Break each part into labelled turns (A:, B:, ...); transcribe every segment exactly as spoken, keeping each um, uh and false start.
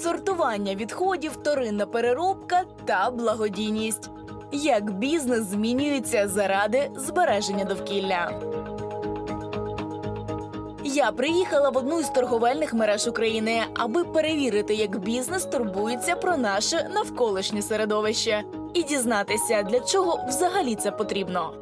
A: сортування відходів, вторинна переробка та благодійність. Як бізнес змінюється заради збереження довкілля. Я приїхала в одну із торговельних мереж України, аби перевірити, як бізнес турбується про наше навколишнє середовище і дізнатися, для чого взагалі це потрібно.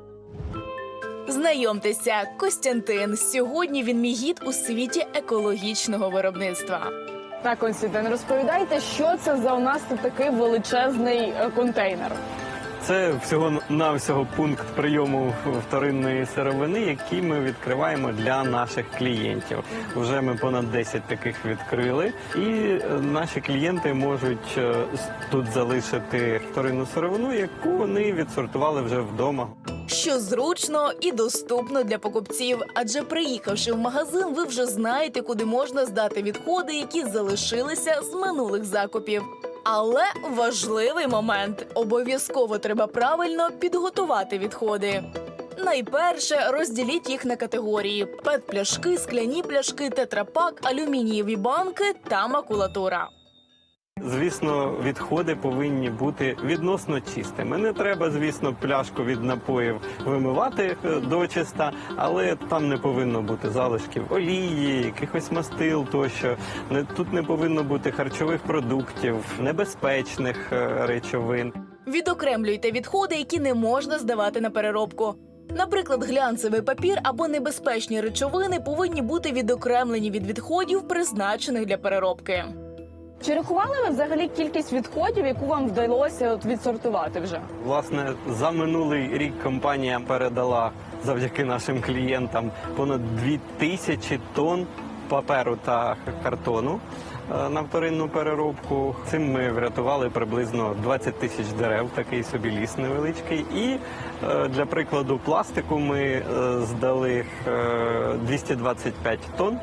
A: Знайомтеся, Костянтин. Сьогодні він мій гід у світі екологічного виробництва.
B: Так, Костянтин, розповідайте, що це за у нас тут такий величезний е, контейнер?
C: Це всього-навсього пункт прийому вторинної сировини, який ми відкриваємо для наших клієнтів. Уже ми понад десять таких відкрили, і наші клієнти можуть тут залишити вторинну сировину, яку вони відсортували вже вдома.
A: Що зручно і доступно для покупців, адже приїхавши в магазин, ви вже знаєте, куди можна здати відходи, які залишилися з минулих закупів. Але важливий момент – обов'язково треба правильно підготувати відходи. Найперше, розділіть їх на категорії – пет-пляшки, скляні пляшки, тетрапак, алюмінієві банки та макулатура.
C: Звісно, відходи повинні бути відносно чистими. Не треба, звісно, пляшку від напоїв вимивати дочиста, але там не повинно бути залишків олії, якихось мастил тощо. Тут не повинно бути харчових продуктів, небезпечних речовин.
A: Відокремлюйте відходи, які не можна здавати на переробку. Наприклад, глянцевий папір або небезпечні речовини повинні бути відокремлені від відходів, призначених для переробки.
B: Чи рахували ви взагалі кількість відходів, яку вам вдалося от відсортувати вже?
C: Власне, за минулий рік компанія передала завдяки нашим клієнтам понад дві тисячі тонн паперу та картону на вторинну переробку. Цим ми врятували приблизно двадцять тисяч дерев, такий собі ліс невеличкий. І для прикладу пластику ми здали двісті двадцять п'ять тонн.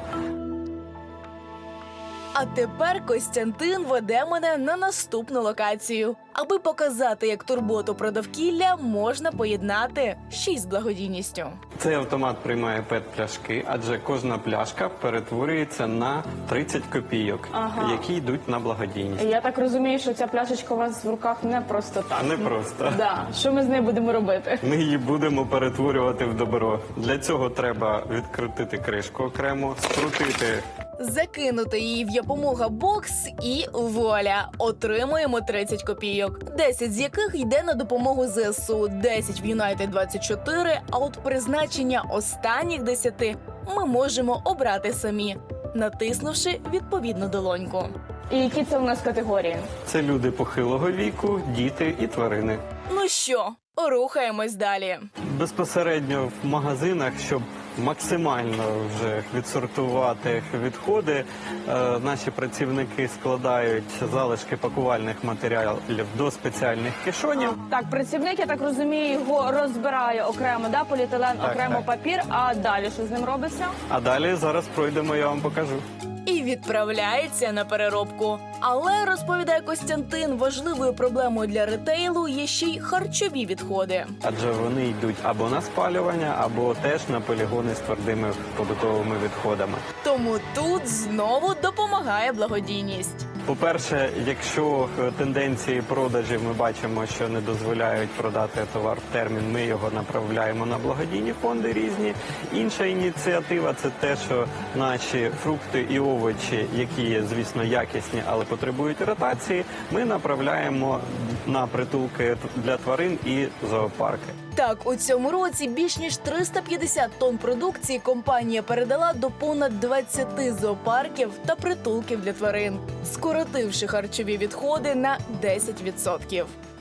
A: А тепер Костянтин веде мене на наступну локацію, аби показати, як турботу про довкілля можна поєднати ще й з благодійністю.
C: Цей автомат приймає пет-пляшки, адже кожна пляшка перетворюється на тридцять копійок,
B: Ага.
C: які йдуть на благодійність.
B: Я так розумію, що ця пляшечка у вас в руках не просто так.
C: Не просто.
B: Да. Що ми з нею будемо робити?
C: Ми її будемо перетворювати в добро. Для цього треба відкрутити кришку окремо, скрутити.
A: Закинути її в «Yapomога бокс» і вуаля! Отримуємо тридцять копійок. десять з яких йде на допомогу зе ес у, десять в Юнайтед двадцять чотири, а от призначення останніх десяти ми можемо обрати самі, натиснувши відповідну долоньку.
B: І які це у нас категорії?
C: Це люди похилого віку, діти і тварини.
A: Ну що, рухаємось далі.
C: Безпосередньо в магазинах, щоб максимально вже відсортувати відходи, е, наші працівники складають залишки пакувальних матеріалів до спеціальних кишонів.
B: Так, працівник, я так розумію, його розбирає окремо, да, поліетилен,
C: Так,
B: окремо
C: так.
B: папір, а далі що з ним робиться?
C: А далі зараз пройдемо, я вам покажу.
A: І відправляється на переробку. Але, розповідає Костянтин, важливою проблемою для ретейлу є ще й харчові відходи.
C: Адже вони йдуть або на спалювання, або теж на полігони з твердими побутовими відходами.
A: Тому тут знову допомагає благодійність.
C: По-перше, якщо тенденції продажів ми бачимо, що не дозволяють продати товар в термін, ми його направляємо на благодійні фонди різні. Інша ініціатива – це те, що наші фрукти і овочі, які є, звісно, якісні, але потребують ротації, ми направляємо на притулки для тварин і зоопарки.
A: Так, у цьому році більш ніж триста п'ятдесят тонн продукції компанія передала до понад двадцяти зоопарків та притулків для тварин, скоротивши харчові відходи на десять відсотків.